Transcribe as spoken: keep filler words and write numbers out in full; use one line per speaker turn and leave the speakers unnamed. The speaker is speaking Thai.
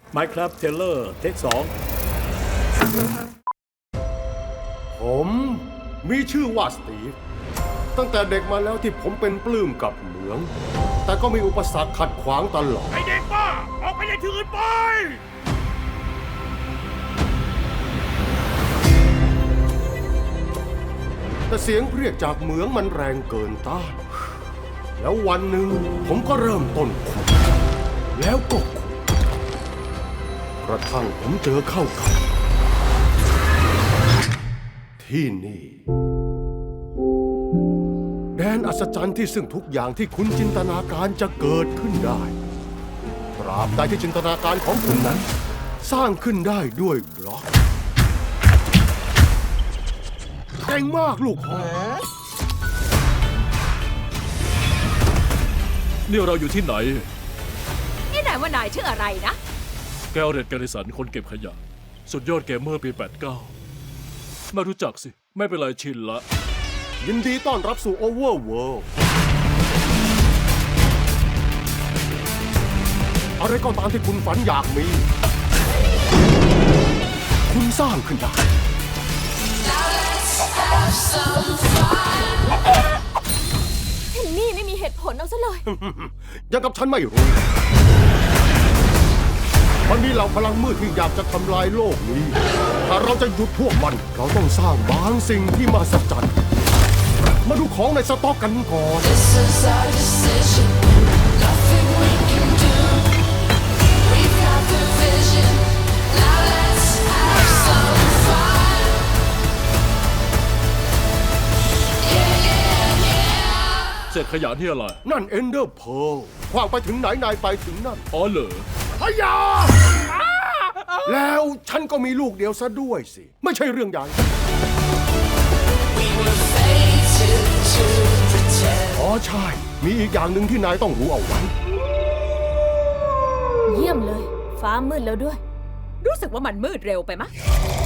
Minecraft Taylor เทคสอง
ผมมีชื่อว่าสตีฟตั้งแต่เด็กมาแล้วที่ผมเป็นปลื้มกับเหมือง แต่ก็มีอุปสรรคขัดขวางตลอด
ไอเด็กบ้า ออกไปยังที่อื่นไป
แต่เสียงเรียกจากเหมืองมันแรงเกินต้าน แล้ววันหนึ่งผมก็เริ่มต้นขุดแล้วก็ขุดกระทั่งผมเจอเข้ากับ ที่นี่ แดนอัศจรรย์ที่ซึ่งทุกอย่างที่คุณจินตนาการจะเกิดขึ้นได้ตราบใดที่จินตนาการของคุณนั้น สร้างขึ้นได้ด้วยบล็อกเก่งมากลูกพ่อ
นี่เราอยู่ที่ไหน
นี่นายว่านายชื่ออะไรนะ
แกลเรตแกริสันคนเก็บขยะ สุดยอดเกมเมอร์ปี แปดสิบเก้า ไม่รู้จักสิ ไม่เป็นไรชินละ
ยินดีต้อนรับสู่โอเวอร์เวิลด์อะไรก็ตามที่คุณฝันอยากมี คุณสร้างขึ้นได้
เฮนนี่ไม่มีเหตุผลเอาซะเลย
ยังกับฉันไม่รู้ มันมีเหล่าพลังมืดที่อยากจะทำลายโลกนี้ ถ้าเราจะหยุดพวกมัน เราต้องสร้างบางสิ่งที่มหัศจรรย์มาดูของในสต็อกกันก่อน
This is our decision. Nothing we can do. We've got the vision. Now let's have some fun. Yeah, yeah, yeah.
เศษขยะนี่อะไร
นั่นเอนเดอร์เพลคว้างไปถึงไหนนายไปถึงนั่น
อ๋อเหรอ
พยาแล้วฉันก็มีลูกเดียวซะด้วยสิ ไม่ใช่เรื่องใหญ่
We were fated to pretend.
อ๋อใช่ มีอีกอย่างหนึ่งที่นายต้องรู้เอาไว้
เยี่ยมเลย ฟ้ามืดแล้วด้วย รู้สึกว่ามันมืดเร็วไปมะ